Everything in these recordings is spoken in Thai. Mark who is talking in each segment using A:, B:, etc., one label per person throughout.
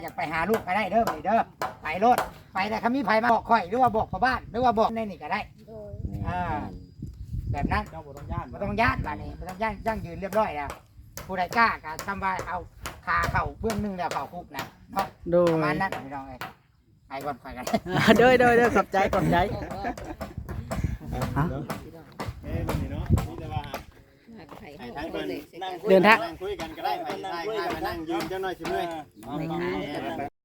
A: อยากไปหาลูกก็ได้เด้อไปเด้อไปรถไปแต่คำมีไผมาบอกข่อยหรือว่าบอกพ่อบ้านหรือว่าบอกในนี่ก็ได้แบบนั้น
B: เจ้าบ่ต้องย่าน
A: ไม่ต้องญาติบ้านนี้ไม่ต้องย่างยืนเรียบร้อยแล้วผู้ใดกล้าก็ทำว่าเอาคาเข่าเบื้องหนึงแล้วเข่าคุกนะเนาะ
C: โด
A: ประ
C: ย
A: มาณนั้นพี่น้องเอ้ยไปก่อนไปกัน
C: โดยขอบใจฮะ
B: วันนี้เนาะนี่แต่ว่าให้ทางเพิ่นนั่งคุย
C: เดินทาง
B: นั่งคุยกันก็ได้ไปใช่มานั่งยืนจังหน่อยสิเมื่อย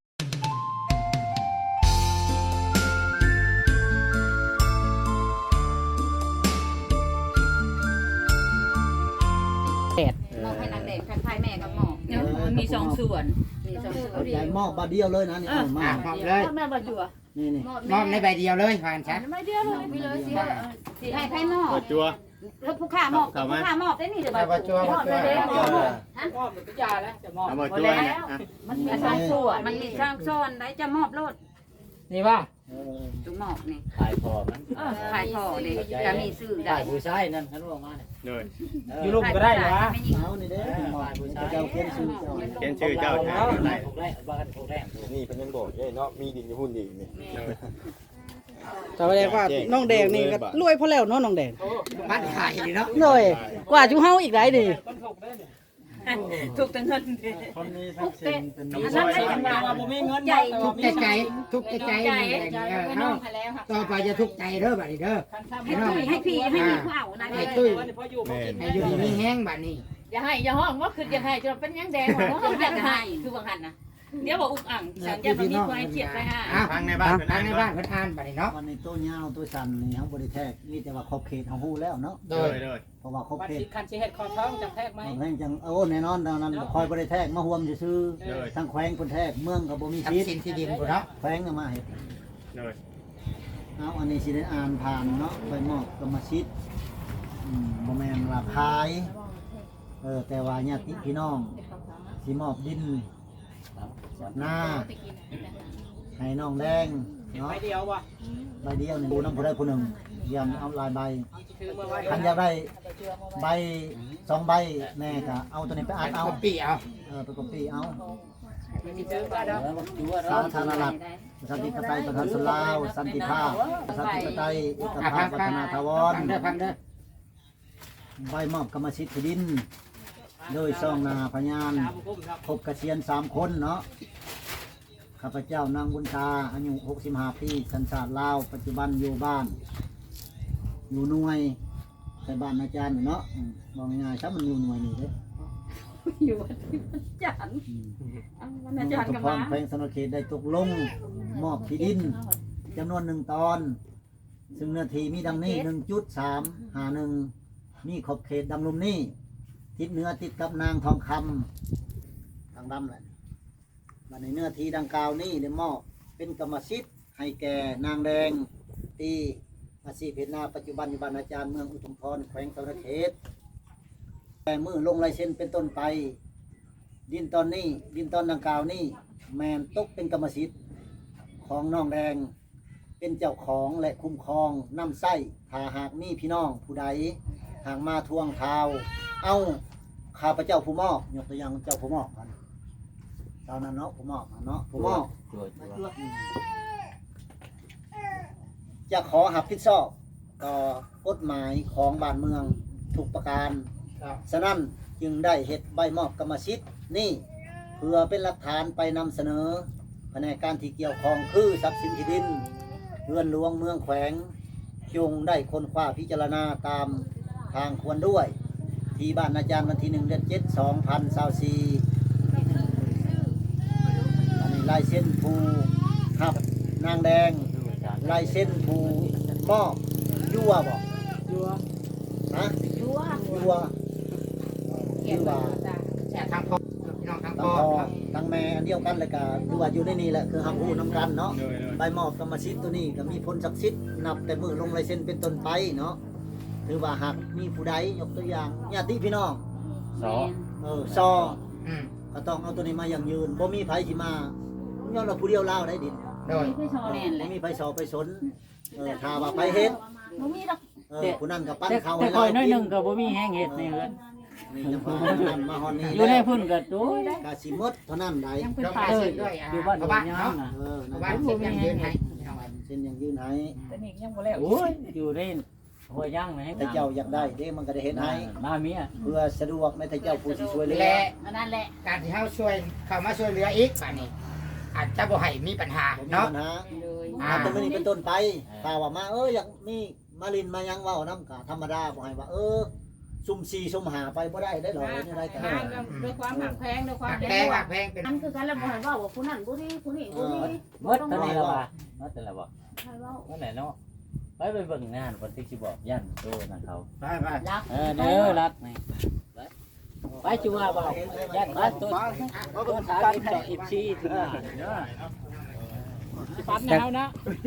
D: หมอกให้นางแดงทักทายแม่กับหมอก
E: มันมีสองส่วน
D: มีสองส่วน
F: เอาใจมอบบาเดียวเลยนะนี่เอามา
A: มอบเลย
D: แม่บ่จั่ว
F: นี่นี่
A: มอบในใบเดียวเลยผ่านชัด
D: ไม่เดียวเลยพี่เลยสิให้ไพ่หมอก
B: เปิดจัว
D: แล้วผู้ข้าหมอกผู้ข้าหมอกได้นี่เดี๋ยวบ่จั่วหมอกเลยเด้หมอกฮะ
B: เอาเปิดจัวเนี่ย
D: มันมีสองส่วนมันมีสองส่วนได้จะมอบโลด
A: นี่ว่า
D: จุหมอกนี่
F: ขายพอมัน
D: ขายพอเลยจะมีซื้อได้
F: ขายผู้ชายนั่นคันว่ามาเนี่ย
B: เลย
A: อยู่ลูกก็ได้เหรอ
F: เอานี่เด้อขายผู้ชายเจ้าเขียนชื่อเจ้า
B: เขียนชื่อเจ้าแทนได้
F: พวกแรกบ้านพวกแรก
G: นี่เพิ่นยังบอกเนาะมีดินอยู่หุ่นดีนี่
C: แต่ว่าแดงว่าน้องแดงนี่ก็รวยพอแล้วเนาะน้องแดง
A: บ้านขายนี่เนาะ
C: โดยกว่าจุเฮาอีกหลายดิ
E: ถูกแต่เงิน
B: คนนี้ทักษิณเป็น
D: อันนั้นได้จังหวะใหญ่
A: ทุกข์ใจทุกข์ใจเนาะต่อไปจะทุกข์ใจเด้อบัดนี้เด้อ
D: ให้พี่ให้มีผู้เอานะ
A: ให้ตุ้ย
B: แม่
A: ให้อยู่ดีมีแห้งบัดนี้
E: อย่าให้อย่าห้องว่าคืออย่าให้จนเป็นยังแดงว่าเขาอยากให้คือบางหันนะเดี๋ยวบอกอุกอ่างฉันจะมีควายเขียดไปฮะ
A: อ้าว
B: ทางในบ้าน
A: ทางในบ้านเพิ่นอ่านบัดนี้เนาะ
F: วันนี้ตัวยาวตัวสั้นนี่เฮาบ่ได้แทกมีแต่ว่าขอบเขตเฮาฮู้แล้วเนาะ
A: โด
B: เลย ย
F: เพราะว่าขอบ
E: วัน
F: เขต
E: สิคันสิเฮ็ดคอท้องจะแทกไหม
F: แม่งจังแน่นอนดังนั้นคอยบ่ได้แทกมาห่วมซื่อๆทั้งแขวงเพิ่นแทกเมืองก็บ่มี
A: ทรัพ
F: สิท
A: ย์สิน
F: ธิ์
A: ที่ดินพุ่นเนาะ
F: แขวงก็มาเฮ็ด
B: เลย
F: เอาอันนี้สิได้อ่านผ่านเนาะไปมอบกรรมสิทธิ์บ่แม่นว่าขายแต่ว่าญาติพี่น้องสิมอบดินหน้าให้น้องแดงเนาะ
E: ไปเดียวว่ะ
F: ใบเดียวนี่ดูน้ำผู้ใดผู้หนึ่งยันเอาหลายใบ
E: คือเมื่อวาน
F: คันอยากได้ใบ2 ใบแน่ก็เอาตัวนี้ไปอ่านเอา
A: เอาปีเอา
F: ไปก๊อปปี้เอา
E: มีซื้อก็ได้
F: สาธารณรัฐประชาธิปไตยประชาชนลาวสันติภาพประชาธิปไตยเอกภาพวัฒนาถาวร
A: พังเด้อ
F: ใบมอบกรรมสิทธิ์ที่ดิน โดยซองนาพยานพบเกษียณ3 คนเนาะข้าพเจ้านางบุญตาอายุ65 ปีสัญชาติลาวปัจจุบันอยู่บ้าน อยู่หน่วยแต่บ้านอาจารย์เนาะมองง่ายๆครับมันอยู่หน่วยนี่เด้
D: อยู่ที่จันวันอาจารย์กับ
F: พ
D: มา
F: รแขวงสนเขตได้ตกลงมอบที่ดินจำนวน1 ตอน ซึ่งเนื้อที่มีดังนี้ 1.351 มีขอบเขตดำรุมนี้ทิศเหนือติดกับนางทองคำทางดำแหละบัดในเนื้อที่ดังกล่าวนี้ได้มอบเป็นกรรมสิทธิ์ให้แก่นางแดงตีอาชีพเพชรนาปัจจุบันอยู่บ้านอาจารย์เมืองอุทุมพรแขวงสนเขตแต่มือลงลายเซ็นเป็นต้นไป ดินตอนนี้ดินตอนดังกล่าวนี้แมนตกเป็นกรรมสิทธิ์ของน้องแดงเป็นเจ้าของและคุ้มครองน้ำไส้ถ้าหากมีพี่น้องผู้ใดหากมาทวงเท้าเอาข้าพเจ้าผู้มอบยกตัวอย่างเจ้าผู้มอบกันตอนนั้นเนาะผู้มอบเนาะผู้มอบจะขอหับผิดชอบต่อกฎหมายของบ้านเมืองทุกประการฉะนั้นจึงได้เฮ็ดใบมอบกรรมสิทธิ์นี่เพื่อเป็นหลักฐานไปนำเสนอแผนกการที่เกี่ยวข้องคือทรัพย์สินที่ดินเรือนหลวงเมืองแขวงจงได้ค้นคว้าพิจารณาตามทางควรด้วย ที่บ้านอาจารย์วันที่1 เดือน 7 2024อันนี้ลายเส้นภูหับนางแดงลายเส้นภูมอบยั่วบอกยั่วฮะยั่วยั่ว
A: ทางพ่อพี่น้องทาง
F: ทั้ง
A: พ่อ
F: พ่อทั้งแม่อันเดียวกันเลยก็ดูว่าอยู่ในนี่แหละคือหักหูน้ำกันเนาะ
B: เลย
F: ใบมอบกรรมสิทธิ์ตัวนี้ก็มีผลศักดิ์สิทธิ์นับแต่มือลงลายเซ็นเป็นต้นไปเนาะหรือว่าหากมีผู้ใดยกตัวอย่างญาติพี่น้องซอ ก็ต้องเอาตัวนี้มาอย่างยืนบ่มีไผสิมาย้อนเราผู้เดียวเล่าได้ดิน
A: โดย
D: ไม่ชอแน่นเล
F: บ่
D: ย
F: มีไผสอไปสนถ้าว่าไผเฮ็ด
D: บ่มีดอก
F: ผู้นั้นก็ปั้นเขา
C: แต่
F: ให้
C: คอย
F: เรา
C: น้อย
F: กิ
C: หนึ
F: น
C: งก็บ่มีแห้งเฮ็ดในเฮือน
F: นี่จังหวะนั้นมาฮอนนี่
H: อยู่ในพุ่นก็โดย
F: กะสิหมดเท่านั้นได้
E: ยังเป็น
A: ต้อง
E: ป่า
A: ไป
E: เล
A: เช็
E: ย
A: ดด้วย
H: อยู่บ้าน
A: ชาว
H: บ่
A: บ้าน
H: ยา
A: เนาะ
H: มน่ะ
F: นั่
A: ชาวน บ้า
F: แห
A: น
F: ละ
A: เช็ดยังยืนให้
F: เส้นยังยืนให้
E: แต่นี่ยังบ่แล้ว
H: โอ้ยอยู่ในหัวย่างไหม
F: แต่เจ้าอยากได้เด้มันก็ได้เฮ็ดให้
H: มาเมีย
F: เพื่อสะดวกในแต่เจ้าผู้สิช่วยเหลือ
A: และ
E: อันนั้นแหละ
A: การที่เฮาช่วยเข้ามาช่วยเหลืออีกป่านนี้ อาจจะบ่ให้มีปัญหา
F: บ่มี
A: เนาะ
F: ปัญหา
E: เลย
F: แต่มื้อนี้เป็นต้นไปถ้าว่ามาอยากมีมาลินมายังเว้านำก็ธรรมดาบ่ให้ว่าซุ่ม4ซุ่ม5ไปบ่ได้ได้หรอกนี่ได้กัน
E: ด้วยความหักแพงด้วยความ
A: แพงหักแพงเป็น
D: อันคือกันแล้วบ่ให้เว้าว่าผู้นั้นผู้นี้ผู้นี้ผู้นี้
H: หมดตอนนี้แล้วว่าหมดแต่ละบ่
D: ให้เว้า
H: นั่นแหละเนาะไปเบิ่งงานวันที่สิบอกยันโตนั่นเขา
A: ไปไป
E: รัก
H: เด้อรักนี่ไปจูว่าบ่ยันมาตัวตัวถามอีกชีถึงเนาะ
C: ปันแนวนะ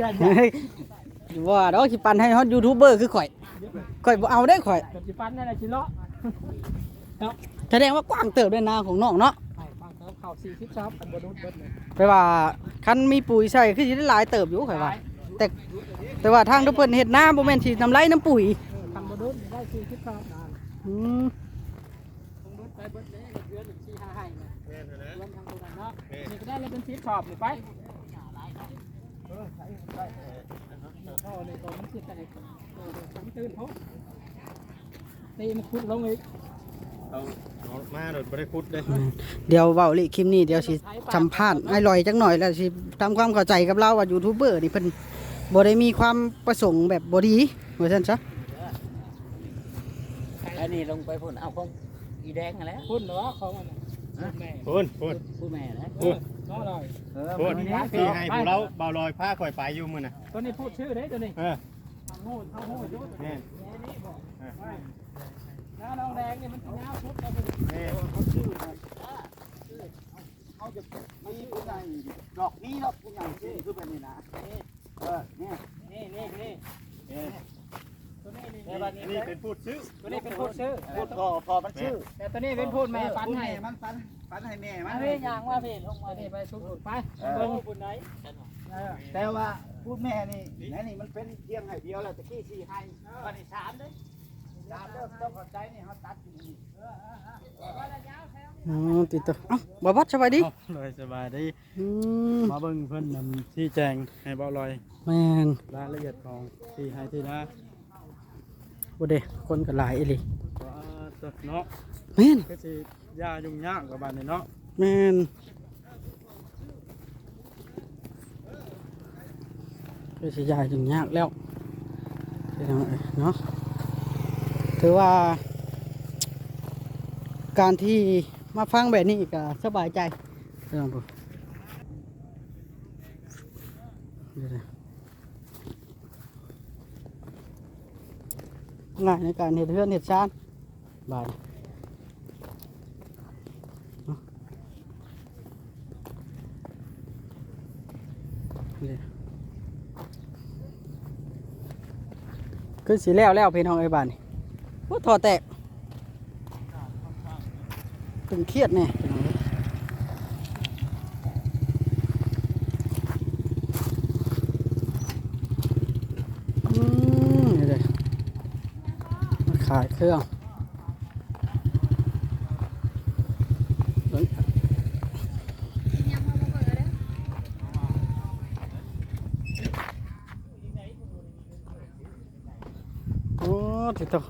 C: ว่าดอกสิปันให้ฮอตยูทูบเบอร์คือข่อยบ่เอาได้ข่อยสิปันนั่นแหละสิเลาะแสดงว่ากว้างเติบด้วยนาของน้องเนาะเข้า40ซับอันบ่นุดเบิดเลยแปลว่าคันมีปุ๋ยใส่คือสิได้หลายเติบอยู่ข่อยว่าแต่ว่าทางทุกเพิ่นเฮ็ดนาบ่แม่นสิน้ำไหลน้ำปุ๋ยทำบ่นุดได้40ซับนานนุดไปเบิดเลยเดือน4-5ให้เนี่ยรวมทั้งตัวนั้นเนาะนี่ก็ได้เลยเป็น10ชอบนี่ไปเข้าในตัวมันสิแตกผมตื่นพบตีมันคุดลงอีก
B: เอามาโดดบ่ได้คุดเด้
C: เดี๋ยวเว้าลิคลิปนี้เดี๋ยวสิสัมภาษณ์ให้ลอยจักหน่อยแล้วสิทำความเข้าใจกับเราว่ายูทูบเบอร์นี่เพิ่นบ่ได้มีความประสงค์แบบบ่ดีว่าซั่นซะ
H: อันนี้ลงไปพุ่นเอาของอีแดงนั่นแหละ
C: พุ่นเหรอของมันแม่
B: พูน
H: ผู้แม่นะ
C: ก็อร่อย
B: พูนที่ให้ผู้เราเบาลอยผ้าข่อยไปอยู่มื้อน่ะ
C: ตัวนี้พูดชื่อเด้ตัวนี้
B: เออ
C: ทางโง่ทางโง่อยู่
B: แม่น
C: นี่บอกน้าน้องแดงนี่มันสิยาวสุดแล้วพุ่น
B: แม่น
C: เขาชื่อเขาจะมีผู้ใหญ่ดอกนี้ดอกผู้ใหญ่ชื่อคือแบบนี้นะนี่ตัวนี้นี่
B: นี่เป็นพูดซื้อ
C: ตัวนี้เป็นพูดชื่อ
F: พูดพอมันชื่อ
C: แต่ตัวนี้เป็นพูดแม่ปันให้
F: มันปันให้แม่มัน
C: มาพี่ยางว่าพี่ลงมาพี่ไปชุบไปเบิ่งปุ่นไหน
F: แต่ว่าพูดแม่นี่นี่มันเป็นเพียงให้เดียวแล้วตะกี้4ให้บัดนี้3เด้3เด้อต้องเข้าใจนี่เฮาตัดอยู่นี่
C: ติดตัวเอ้าบ่บัดสบายดี
I: เลยสบายดีมาเบิ่งเพิ่นนำที่แจงให้เบาลอย
C: แม่น
I: รายละเอียดของที่ให้ที่นะ
C: บ่เด้คนก็หลายอีหลี
I: ว่าตัวเนาะ
C: แม่น
I: ก็สิยายุ่งยากกับบ้านนี้เนาะ
C: แม่นก็สิยายถึงยากแล้วพี่น้องเอ้ยเนาะถือว่า การที่มาฟังแบบนี้ก็สบายใจพี่น้องดูง่ายในการเห็ดเรือนเห็ดชานบาดคือสีแล้วพี่น้องไอ้บ้านนี่ว่าถอแตกตึงเครียดเนี่ยนี่เลยมาขายเครื่องโอ้ติดต่อ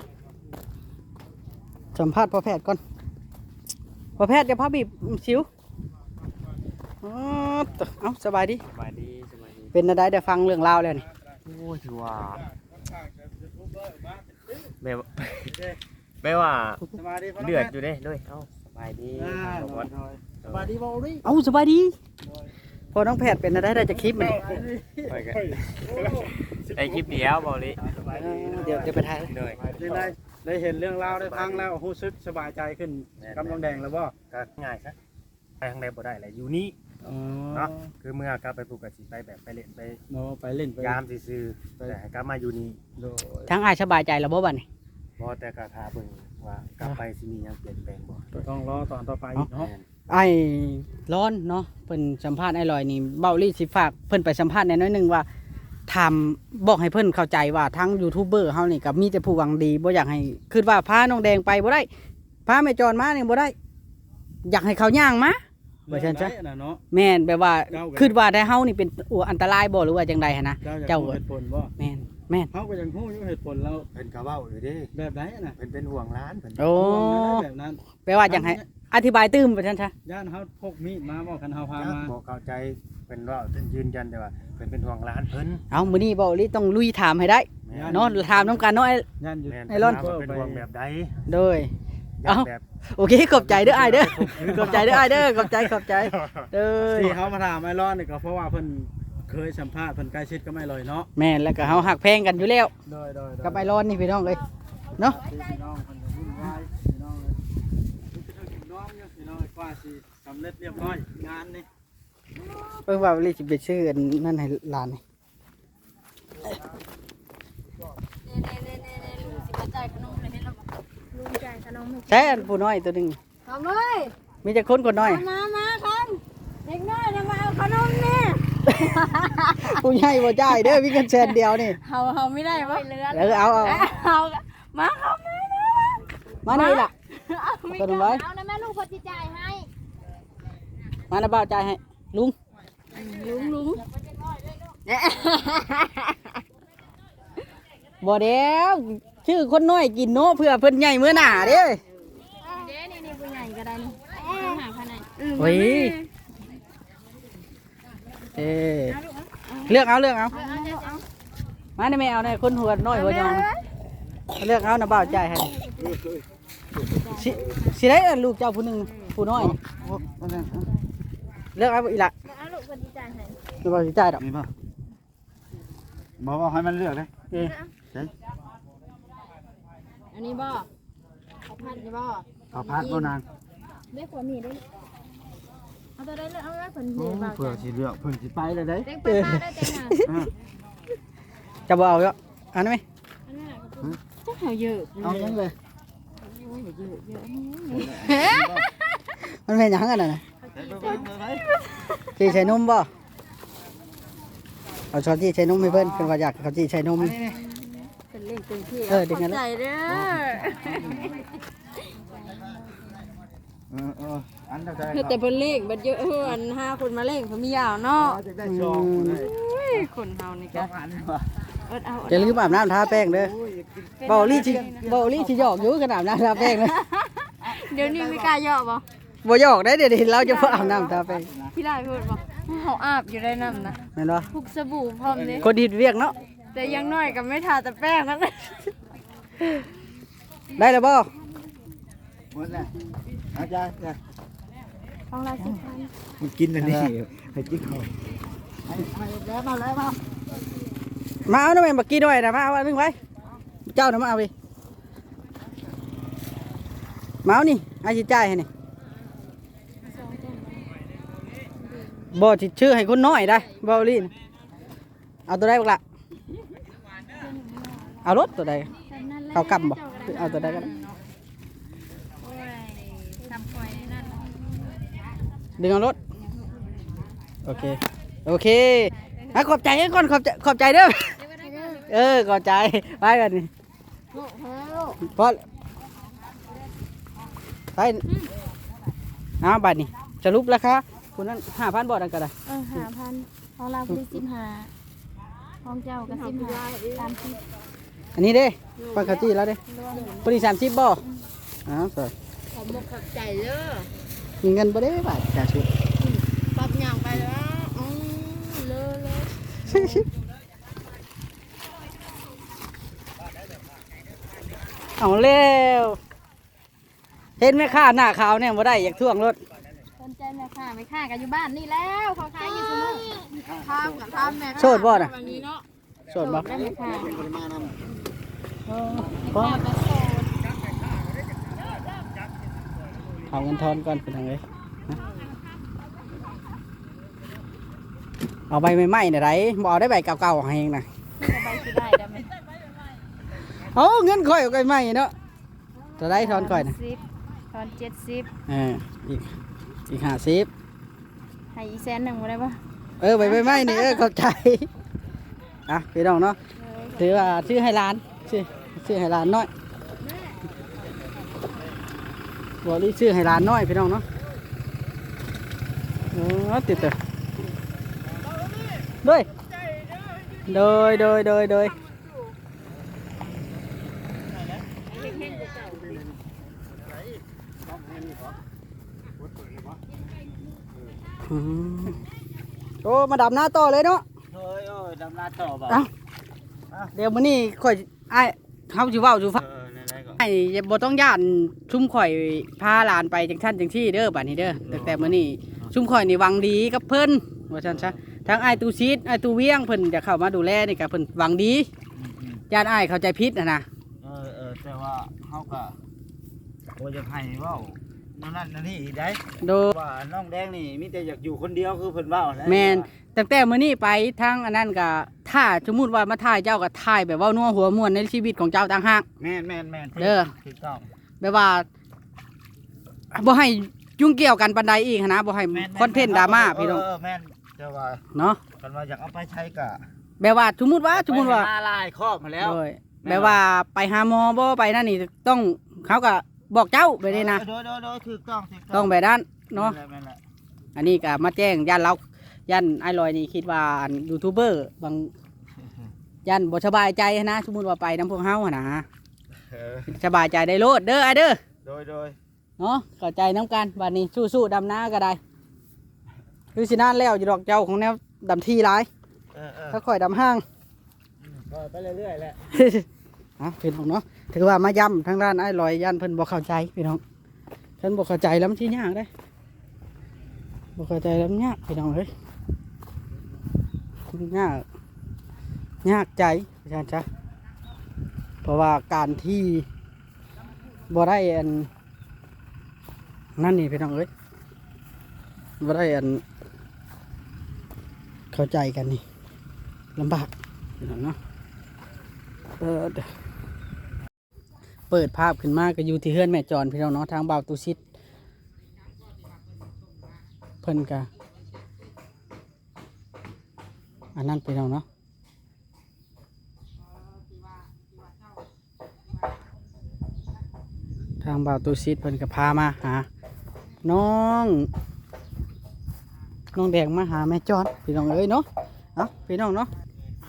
C: สัมภาษณ์พ่อแพทย์ก่อนพ่อแพทย์จะพาบีบสิวอ๋อเอาสบายดี
G: สบายดี
C: เป็นอะไรได้ฟังเรื่องราวแล้วนี่
G: โอ้ถือว่าแม่ว่า
I: สบายดีพ่อ
G: เดือดอยู่เด้ด้วยเอ้าสบายดี
I: สบายดีบ่ดิ
C: เอาสบายดีพอน้องแพทย์เป็นอะไรได้จะคลิปมัน
G: ไปกันไอคลิปเดียวบอกเลย
C: เดี๋ยวไปถ่าย
G: เลย
I: ได้เห็นเรื่องราวได้ฟังแล้วรู้สึกสบายใจขึ้นกำลังแดงแล้วบ่
G: ก็ง่ายซะไปทางใดบ่ได้แหละอยู่นี่
I: อ๋อ
G: เนาะคือเมื่อกลับไปปลูกกะสิไปแบบไปเล่นไป
I: เนาะไปเล่นไป
G: ยามซื่อๆแต่ให้กลับมาอยู่นี่
I: โดย
C: ทั้งอายสบายใจแล้วบ่บัดนี้
G: บ่แต่ก็ทาเบิ่งว่ากลับไปสิมีหยังเปลี่ยนแปลงบ่
I: ต้องรอตอนต่อไปเนาะ
C: ไอ้ร้อนเนาะเพิ่นสัมภาษณ์ไอ้ลอยนี่เบ้าลี่สิฝากเพิ่นไปสัมภาษณ์แหน่น้อยหนึงว่าถามบอกให้เพิ่นเข้าใจว่าทั้งยูทูบเบอร์เฮานี่ก็มีแต่ผู้หวังดีบ่อยากให้คิดว่าพาน้องแดงไปบ่ได้พาแม่จอนมานี่บ่ได้ อยากให้เขาย่างมาบ่ซั่นจ้ะ
I: น่ะเนาะ
C: แม่นแบบว่าคิดว่าได้เฮานี่เป็นอันตรายบ่หรือว่าจังใดหั่นนะ
I: เจ้า
C: เจ้า
I: เหตุผลบ่
C: แม่นแม่น
I: เฮาก็ยังฮู้อยู่เหตุผลแล้ว
B: เพิ่นก็เว้าอยู่เด้
I: แบบไหนน่ะ
B: เพิ่นเป็นห่วงร้านเพิ่น
C: โอ้
I: แบบนั้น
C: แปลว่าจังให้อธิบายตื้มว่าซั่นจ้ะ
I: ย่านเฮาพกมีดมาบ่คันเฮาพามา
B: บ่เข้าใจเพิ่นว่าเพิ่นยืนยันแต่ว่าเพิ่นเป็นห่วงร้านเพิ่น
C: เอามื้อนี้บ่ลิต้องลุยถามให้ได้เนาะถามนํกันเนาะ
I: ย่านอยู่
B: แม่น
C: ไอรอน
B: ถามว่าเป็นห่วงแบบใด
C: โดย
B: ย่าน
C: เอ้า
B: แบบ
C: โอเคขอบใจเด้ออ้ายเด้อขอบใจเด้ออ้ายเด้อขอบใจเด้อ
I: ที่เขามาถามไอรอนนี่ก็เพราะว่าเพิ่นเคยสัมภาษณ์เพิ่นใกล้ชิดก็ไม่ลอยเนาะ
C: แม่นแล้วก็เฮาหักแพงกันอยู่แล้ว
I: โดย
C: กับไอรอนนี่พี่น้องเอ้ยเนาะ
I: พี่น้องเพิ่นก็วุ่นวายพี่น้องเลยพี่น้องอยู่พี่น้องกว่าสิสำเร็จเรียบร้อยงานนี่
C: เพิ่นว่าลิสิไปชื่ออันนั่นให้หลานนี่
D: ลุงจ่ายขนม
C: ใช่อันผู้น้อยตัวหนึง
D: ทำเลย
C: มีแต่คนน้อย
D: มาครับเด็กน้อยจะมาเอาขนมนี่
C: ผู้ใหญ่บ่จ่ายเด้อมีเงินแสนเดียวนี่
D: เฮาไม่ได้ปะ
C: เอา
D: เอามาครับ
C: มานี่ล่ะ ขนมไว้
D: เอานะแม่ลูกพอจิจ่ายให้
C: มานะบ่าวจ่ายให้ลุง
D: ลุง
C: บ่เด้วชื่อคนน้อยกินเนาะเพื่อเพิ่นใหญ่มื้อหน้าเด้
D: นี่ผู้ใหญ่ก็ได้นี่หาพันไหน
C: โอ้ยเลือกเอามานี่แม่เอาได้คนหัวน้อยหัวยองเลือกเอานะบ่าวจ่ายให้สิได้ลูกเจ้าผู้หนึงผู้น้อยเลือกเอาอีหละ
D: เอาลูกพอจิจ่ายให้
C: บ่สิจ่ายดอก
I: มีป่ะบอกว่าให้มันเลือกเลย
D: อันนี้บ่เอาพันนี่บ่
I: เอาพาดบ่นาง
D: ได้ผลนี่ได้เอาตัวได้เลยเอาไว้ผลนี่บ่
I: เพื่อสิเลือกเพิ่นสิไปเลยเด้
D: เด็กไปมาได้แต่งาน
C: จะบ่เอาเยอะอันนั้นไหม
D: อันนั้นก็จะเยอะ
C: เอายังเลยมันเป็นหยังกันน่ะจีใส่นมบ่เอาช้อนที่ใส่นมให้เพิ่นเพิ่นว่าอยากเขาจีใส่นม
D: เป็นเล่นเต็มที่
C: ดึงกัน
D: ใจ
C: แล้ว
D: เด้อ
I: อันเท่าไหร่
D: คือแต่เป็นเลขบัดเยอะอัน5คนมาเลขเขามียาวเนาะ
I: จะได้ชองได้
D: คนเฮานี่ก็
I: อันว่ะ
D: เอา
C: จะลืมอาบน้ำทาแป้งเด้อเบาลี่สิหยอกอยู่ขนาดน้ำทาแป้งเลย
D: เดี๋ยวนี้ไม่กล้าเหยาะบ่
C: บ่หยอกได้เดี๋ยวเราจะบ่อาบน้ำทาแป้ง
D: พี่ได้พูดบ่เฮาอาบอยู่ได้นำนะ
C: แม่นบ่
D: พุกสบู่พร้อมเด้
C: คนดีดเวียกเนาะ
D: แต่ยังน้อยก็ไม่ทาแต่แป้งนั่น
C: ได้แล้วบ่
I: หมดแล้วอาจารย์
D: ของเราสิพัน
I: มันกินอันนี้ให้กินเขา
C: มาเอาหน่อยบักกี้ด้วยนะมาเอาอันนึงไว้เจ้าน่ะมาเอาไปมาเอานี่ไอ้สิจ่ายให้นี่บ่สิชื่อให้คนน้อยได้เบาลี่เอาตัวใดบักละเอารถตัวใดเขากำบ่เอาตัวใดก็ได้
D: ทำควายนั่น
C: ดึงเอารถโอเคขอบใจให้ก่อนขอบใจเด้อขอบใจไปกันนี่พอไปเอาบัตรนี่สรุปราคาคุณนั้น5,000บาทนั่นก็ได้
D: 5,000ของเราคือ15ของเจ้าก็15 30
C: อันนี้เด้ปังคาจี้แล้วเด้พอดี30บ่อ้าวสวย
D: ขอมกขอบใจเด้อ
C: มีเงินบ่ได้บาทจ่ายชุด
D: ปรับอย่างไปแล้วเลย
C: เอาเร็วเห็นไหมค่าหน้าขาวเนี่ยบ่ได้อยากท่วงรถ
D: สนใจแม่ค่ะไม่ค่ะกันอยู่บ้านนี่แล้วเขาขายอยู่เสมอทำกับทำแม่
C: โสดบ่น่ะ
D: วันนี้เนาะ
C: โสดบ่
D: ได้แม่ค่ะ
C: บ่
D: แม่ก็โสด
C: เอาเงินทอนก่อนเป็นทางเลยเอาใบใหม่ๆน่ะไรบ่เอาได้ใบเก่าๆให้เองน่ะ
D: นี่ก็ใบสิได้ได้ไหม
C: เอาเงินค่อยเอาใบใหม่เนาะจะได้ทอนค่อยน่ะ
D: 10ทอน70
C: อีก50
D: ให้อีแสนหนึ่งบ่ได้ปะ
C: ใบใหม่นี่เข้าใจอ่ะพี่น้องเนาะถือว่าชื่อให้ร้านชื่อให้ร้านน้อยบ่รีซื้อให้หลานน้อยพี่น้องเนาะติดเตอด้วยโดยโอ้มาดับหน้าต่อเลยเนาะ
H: โอ้ยดำนาต่อบ่
C: เดี๋ยวมื้อนี้ข่อยอ้ายเฮาสิเว้าสู่ฟัง
H: นั่นๆก่อน
C: ไอ้บ่ต้องย่านชุมข่อยพาหลานไปจังซั่นจังซี่เด้อบัดนี้เด้อแต่มื้อนี้ชุมข่อยนี่หวังดีกับเพิ่นว่าซั่นซะทั้งอ้ายตูซีดอ้ายตูเวียงเพิ่นจะเข้ามาดูแลนี่ก็เพิ่นหวังดีย่านอ้ายเข้าใจผิดนะ
H: แต่ว่าเฮาก็บ่อยากให้เว้านั่นนี่อีกได้
C: โดย
H: ว่าน้องแดงนี่มีแต่อยากอยู่คนเดียวคือเพิ่นเว้าแหละ
C: แม่นตั้งแต่มื้อนี้ไปทางอันนั้นก็ถ้าสมมุติว่ามาถ่ายเจ้าก็ถ่ายแบบเว้านัวหัวม่วนในชีวิตของเจ้าต่างหาก
H: แม่น
C: เด้อ
H: ถูกต้อง
C: แบบว่าบ่ให้ยุ่งเกี่ยวกันปานใดอีกหั้นนะบ่ให้คอนเทนต์ดราม่าพี่น้อง
H: แม่นแต่ว่า
C: เนาะ
H: กันว่าอยากเอาไปใช้ก็
C: แบบว่าสมมุติว่า
H: มาลายครอบมาแล้ว
C: โดยแบบว่าไปหาหมอบ่ไปนั่นนี่ต้องเขาก็บอกเจ้าไปเลยนะ
H: โดยถูกต้อง
C: ต้องแบบนั้นเนาะ
H: แม่นแหละ
C: อันนี้ก็มาแจ้งย่านเราย่านไอ้ลอยนี่คิดว่าอันยูทูบเบอร์บางย่านบ่สบายใจนะสมมุติว่าไปน้ำพวกเฮาหั่นนะสบายใจได้โลดเด้อไอ้เด้อ
H: โดย
C: เนาะเข้าใจน้ำกันบัดนี้สู้ๆดำนาก็ได้คือสินานแล้วอยู่ดอกเจ้าของแนวดำที่หลายถ้าค่อยดำห้าง
H: ไปเรื่อยๆแหละ
C: พี่น้องเนาะถือว่ามาย้ำทางด้านไอ้ลอยย่านเพิ่นบ่เข้าใจพี่น้องเพิ่นบ่เข้าใจแล้วมันสิยากได้บ่เข้าใจแล้วมันยากพี่น้องเอ้ยยากใจอาจารย์จ๊ะเพราะว่าการที่บ่ได้อันนั่นนี่พี่น้องเอ้ยบ่ได้อันเข้าใจกันนี่ลำบากพี่น้องเนาะเปิดภาพขึ้นมาก็อยู่ที่เฮือนแม่จรพี่น้องเนาะทางบ่าวตุชิดเพิ่นกะอันนั้นพี่น้องเนาะทางบ่าวตุชิดเพิ่นก็พามาหาน้องแดงมาหาแม่จรพี่น้องเอ้ยเนาะพี่น้องเนาะ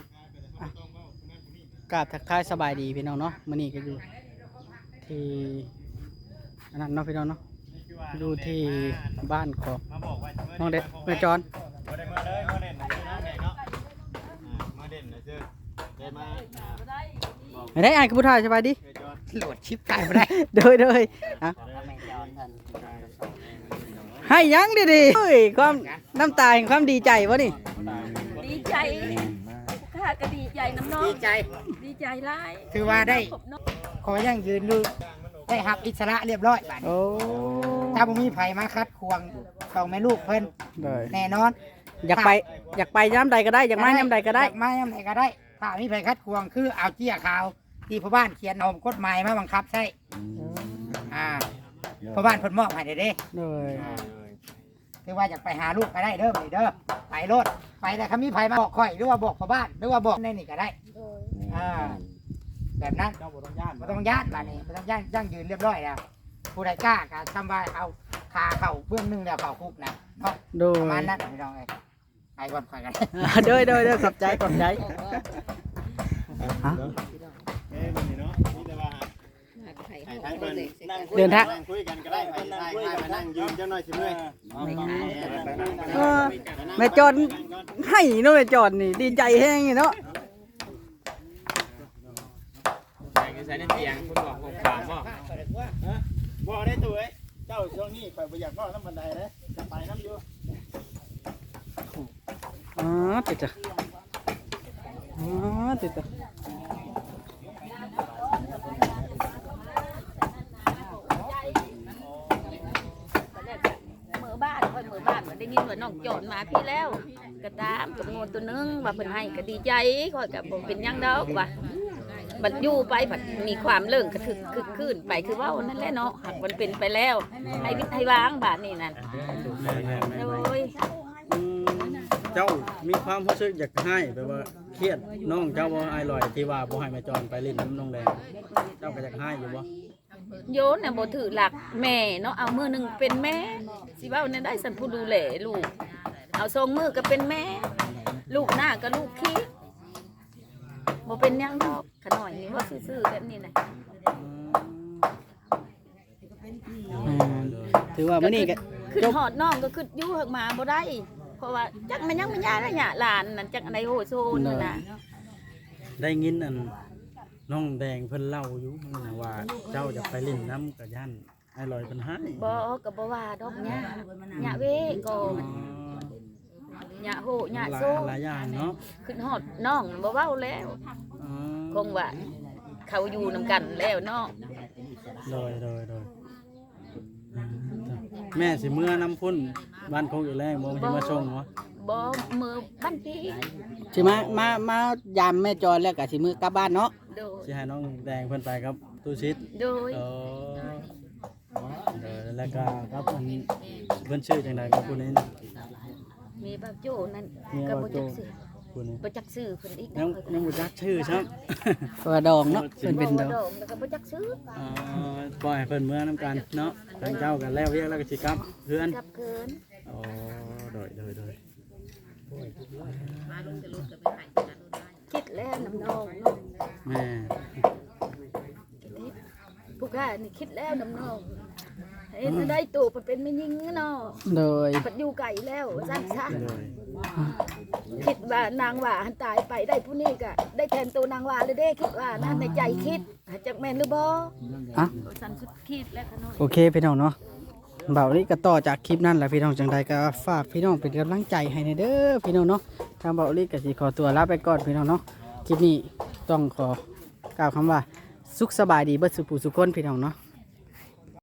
C: กราบทักทายสบายดีพี่น้องเนาะมื้อนี้ก็อยู่ที่อันนั้นเนาะพี่น้องเนาะดูที่บ้านของน้องเด็กแม่จร
B: มาได้มาเลยมาเด่นนะชื่อน้ำแดงเนาะมาเด่นนะชื่อเด่นมา
C: ไม่ได้อ่านกับผู้ถ่ายสบายดี
A: โหลดชิปไก่บ่ได้
C: โดยอ่ะให้ยังดีๆเฮ้ยความน้ำตาแห่งความดีใจวะนี่
E: ดีใจข้าก็ดีใจน้ำน้อง
A: ดีใจ
E: ดีใจหลาย
A: ถือว่าได้ขอยังยืนดูได้หับอิสระเรียบร้อยบัดนี้
C: โอ้
A: ถ้าบ่มีไผมาคัดควงต้องแม่ลูกเพิ่น
C: ได้
A: แน่นอน
C: อยากไปย้ำใดก็ได้อยากมาย้ำใดก็ได้
A: อยากมาย้ำใดก็ได้ ถ้ามีไผคัดควงคือเอาเจี้ยขาวที่พ่อบ้านเขียนเอากฎหมายมาบังคับใช่พ่อบ้านเพิ่นมอบให้เด้
C: โดย
A: ถือว่าอยากไปหาลูกก็ได้เด้อไปเด้อไปโลดไปแต่คำมีไผมาบอกข่อยหรือว่าบอกพ่อบ้านหรือว่าบอกในนี่ก็ได้แบบนั้น
I: เจ้าบ่ต้องย่าน
A: ไม่ต้องย่านบ้านนี้ไม่ต้องย่านยั่งยืนเรียบร้อยแล้วผู้ใดกล้าก็ทำว่าเอาคาเข่าเบื้องหนึงแล้วเข่าคุกนะเนาะ
C: โดย
A: ประมาณนั้นพี่น้องเอ้ยไปก่อนข่อยกัน
C: โดยขอบใจ
B: วันนี้เนาะนี่แต่ว่าให้ทางเพิ่นนั่งคุยนั่งคุยกันก็ได้ไปมานั่งยืนจังหน่อยสิเมื่อย
C: แม่จรให้เนาะแม่จรนี่ดีใจแห้งเนาะ
G: ใส่ในเตียงคุณบอกผมถามว่า
B: บ่ได้ตัวเอ้ยเจ้าช่วงนี้ข่อยบ่อยากเว้าน้ำบันไดเด้จะไปน้ำอยู่
C: ติดจ้ะติดจ้ะ
E: มือบ้านค่อยมือบ้านเหมือนได้ยินว่าน้องโจรมาพี่แล้วก็ตามตัวงูตัวนึงว่าเพิ่นให้ก็ดีใจค่อยก็บ่เป็นหยังดอกว่าบัดอยู่ไปบัดมีความเลิ่งกระทึกคึกคืนไปคือว่านั่นแหละเนาะหากมันเป็นไปแล้วให้วิทย์ให้วางบาดนี่นั่นโอ้ย
I: เจ้ามีความรู้สึกอยากให้แบบว่าเครียดน้องเจ้าบ่อายลอยที่ว่าบ่ให้แม่จรไปเล่นน้ำน้องแดงเจ้าก็อยากให้อยู่บ่
E: โยนน่ะบ่ถือหลักแม่เนาะเอามือหนึงเป็นแม่สิเว้าแนวได้สันผู้ดูแลลูกเอาทรงมือก็เป็นแม่ ลูกหน้าก็ลูกขี้บ่เป็นหยังดอกขน่อยนี่ว่าซื่อๆแบบนี้น่ะ
C: ถือว่ามื้อนี้ก็
E: ขึ้นหอดน้องก็ขึ้นอยู่เฮกมาบ่ได้เพราะว่าจักมันยังไม่ยาแล้วเนี่ยหลานนั่นจักอันใดโหโซนนั่นน่ะ
I: ได้ยินอันน้องแดงเพิ่นเล่าอยู่นะว่าเจ้าจะไปเล่นน้ำกับย่านไอ้ลอยเพิ่นให้
E: บ่ก็บ่ว่าดอกเนี่ยเนี่ยเวก่อนเนี่ยโหเนี่ยโซ
I: หลายอย่างเนาะ
E: ขึ้นหอดน้องบ่เว้าแล้ว
I: อ๋อ
E: คงว่าเขาอยู่นำกันแล้วน้อง
I: โดยแม่สิเมื่อน้ำพุ่นบ้านคงอยู่แรงบ่สิมาส่งเหรอ
E: บ่มือบ้านพี่
C: สิมายามแม่จอยแล้วก็สิมื้อกลับบ้านเนาะ
E: โดย
I: สิให้น้องแดงเพิ่นไปครับตู้ชิด
E: โดย
I: เออแล้วก็ครับอันเพิ่นชื่อจังไดครับผู้นี้
E: มีบักโจนั่น
I: มี
E: ก็
I: บ่
E: บ่
I: โจ
E: จักซื้อ
I: ผู้นี้
E: บ่จักซื้อเพิ่นอีก
I: ยังบ่จักชื่อครับ
C: เพราะว่าดองเนาะเพิ่นเป็นดอง
E: ดอกแล้วก็บ่จักซื้อ
I: ปล่อยให้เพิ่นเมื่อน้ำกันเนาะทางเจ้ากันแล้วเรียกแล้วก็สิกลับเพื่อน
E: กลับเกิน
I: อ๋อโดย
E: คิดแล้วน้ำนองเนาะ
I: แม่
E: ผู้ข้านี่คิดแล้วน้ำนองเฮ็ดได้ตู่เพิ่นเป็นแม่หญิงเนาะ
C: โดย
E: เพิ่นอยู่ไกลแล้วซั่นซะ
I: โดย
E: คิดว่านางว่าหันตายไปได้ผู้นี้ก็ได้แทนตัวนางว่าเลยเด้คิดว่านะในใจคิดจักแม่นหรือบ่
C: อ่ะ
E: สันสุดคิดแล้วขน้อย
C: โอเคพี่น้องเนาะเบานี้ก็ต่อจากคลิปนั้นแหละพี่น้องจังใดก็ฝากพี่น้องเป็นกำลังใจให้ในเด้อพี่น้องเนาะทางเบานี้ก็สิขอตัวลาไปก่อนพี่น้องเนาะคลิปนี้ต้องขอกล่าวคำว่าสุขสบายดีเบิดสุขผู้สุขคนพี่น้องเนาะ